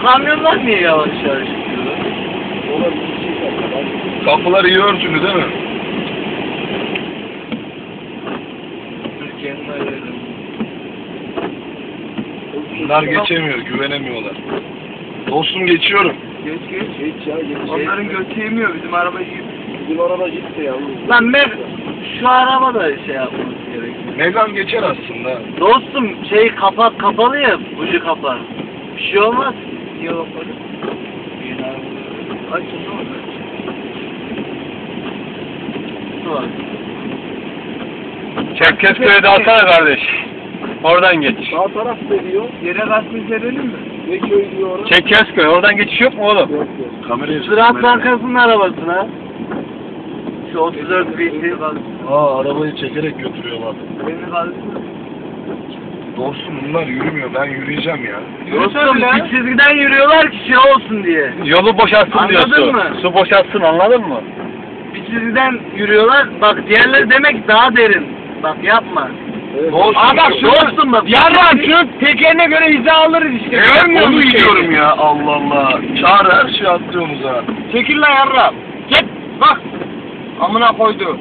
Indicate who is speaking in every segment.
Speaker 1: kamyonlar niye yavaş yavaş gidiyorlar?
Speaker 2: Kapılar iyi örtülü değil mi?
Speaker 1: Türkiye'nin öyle.
Speaker 2: Bunlar geçemiyor, güvenemiyorlar. Dostum geçiyorum.
Speaker 3: Geç ya.
Speaker 1: Onların götü yemiyor, bizim araba yiyor.
Speaker 3: Bizim araba gitti ya.
Speaker 1: Lan şu araba da şey yapmamız gerekiyor.
Speaker 2: Megane geçer aslında.
Speaker 1: Dostum şey kapalı ya, ucu kapalı. Bir şey olmaz. Niye kapalı? Açın ne olur? Var.
Speaker 4: Çerkezköy'e de alsana kardeş. Oradan geç.
Speaker 3: Sağ taraf ne diyor?
Speaker 1: Yere basmış verelim mi?
Speaker 3: Ne köy diyor orada?
Speaker 4: Çerkezköy. Oradan geçiş yok mu oğlum?
Speaker 3: Yok.
Speaker 2: Kamerayı
Speaker 1: Ziraat Bankası'nın arabasına. Şu 34 binti.
Speaker 2: Arabayı çekerek götürüyorlar.
Speaker 1: Beni kaldı.
Speaker 2: Dostum bunlar yürümüyor, ben yürüyeceğim ya.
Speaker 1: Dostum bir çizgiden yürüyorlar ki şey olsun diye.
Speaker 4: Yolu boşaltsın
Speaker 1: Anladın
Speaker 4: diyorsun.
Speaker 1: mı?
Speaker 4: Su boşaltsın, anladın mı?
Speaker 1: Bir çizgiden yürüyorlar. Bak diğerleri demek daha derin. Bak yapma.
Speaker 3: Evet.
Speaker 1: Dostum bak.
Speaker 4: Yarram şu tekerine göre hiza alırız işte. Görmüyor
Speaker 2: Onu
Speaker 4: musun?
Speaker 2: gidiyorum ya, Allah Allah. Çağır her şeyi atlıyorsunuz ha.
Speaker 4: Çekil lan yarram. Git bak. Amına koydu.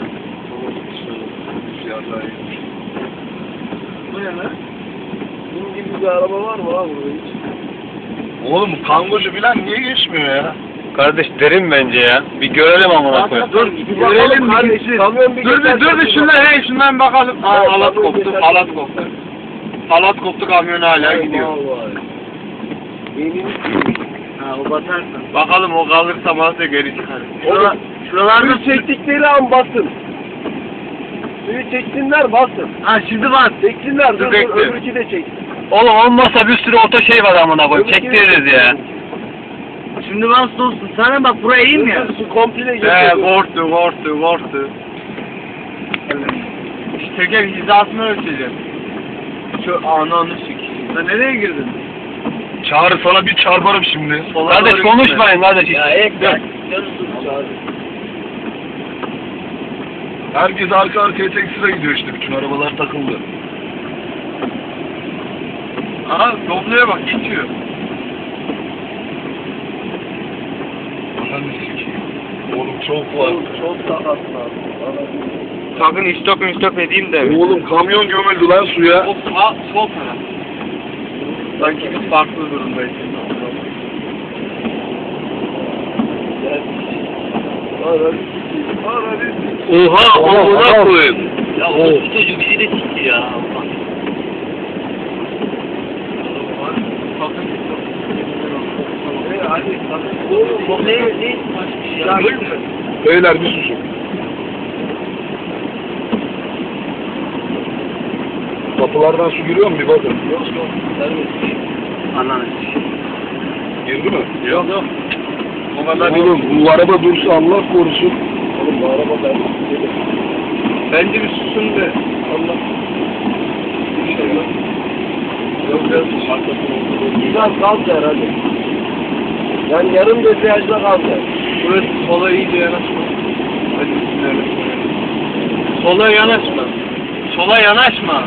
Speaker 1: Bu ne lan?
Speaker 3: Bunun gibi bir araba var mı lan burada hiç?
Speaker 2: Oğlum kangocu bilen niye geçmiyor ya?
Speaker 4: Kardeş derin bence ya. Bir görelim amına koyayım.
Speaker 1: Dur görelim bir geçsin.
Speaker 3: Kamyon bir geçer.
Speaker 4: Şundan bakalım.
Speaker 3: Aa,
Speaker 4: Halat
Speaker 3: kamyon
Speaker 4: koptu,
Speaker 3: geçer.
Speaker 4: halat koptu. Halat koptu, kamyon hala gidiyor.
Speaker 3: Benim
Speaker 1: Ha o batarsın.
Speaker 4: Bakalım o kalırsa masa geri çıkar.
Speaker 1: Şuralarda
Speaker 3: suyu çektikleri an basın. Suyu çeksinler basın.
Speaker 1: Ha şimdi bas.
Speaker 3: Çeksinler dur
Speaker 4: bekle.
Speaker 3: öbürkü de çeksin.
Speaker 4: Oğlum olmazsa bir sürü oto şey var amına koyayım. Çektiririz ya.
Speaker 1: Şimdi bas dostum. Sana bak buraya iyiyim ya.
Speaker 3: Su komple geçiyor.
Speaker 4: Korktu. İşte teker hizasını ölçeceğim. Şu ananı sik.
Speaker 1: Sen nereye girdin?
Speaker 2: Çağrı sana bir çarparım şimdi.
Speaker 4: Kardeş konuşmayın kardeş.
Speaker 1: Ya ek.
Speaker 2: Herkes arka arkaya tek sıra gidiyor işte, bütün arabalar takıldı.
Speaker 4: Aha Doblo'ya bak geçiyor.
Speaker 2: Ananı sikeyim. Oğlum çok var.
Speaker 3: Çok sakatlar.
Speaker 4: Sakın istop edeyim de.
Speaker 2: Oğlum kamyon gömüldü lan suya.
Speaker 4: Sol taraf. Sanki biz farklı durumdayız.
Speaker 2: Oha, amına koyayım.
Speaker 1: Ya o çocuğu bizi de sikti ya.
Speaker 2: Beyler bir susun. Kapılardan su giriyor mu bir bakın.
Speaker 3: Yok.
Speaker 1: Ananı.
Speaker 2: Girdi mi?
Speaker 4: Yok. O kadar
Speaker 2: Oğlum bu araba dursa Allah korusun.
Speaker 3: Oğlum bu araba ben.
Speaker 4: Bence bir susun de.
Speaker 3: Allah.
Speaker 2: Bir şey yok.
Speaker 3: Yok. Güzel kaldı herhalde. Yani yarım debriyajda kaldı.
Speaker 4: Burası sola iyice yanaşma. Hadi bismillahirrahmanirrahim. Sola yanaşma. Sola yanaşma.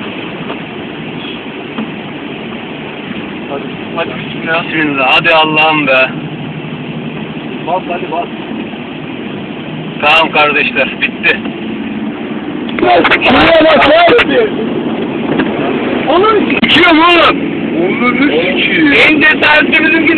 Speaker 4: Hadi bismillah. Bismillah. Hadi Allah'ım be.
Speaker 3: Bas hadi bas.
Speaker 4: Tamam kardeşler. Bitti.
Speaker 2: Oğlum sikiyorum oğlum. Onu sikeyim.
Speaker 4: En cesaretli bizim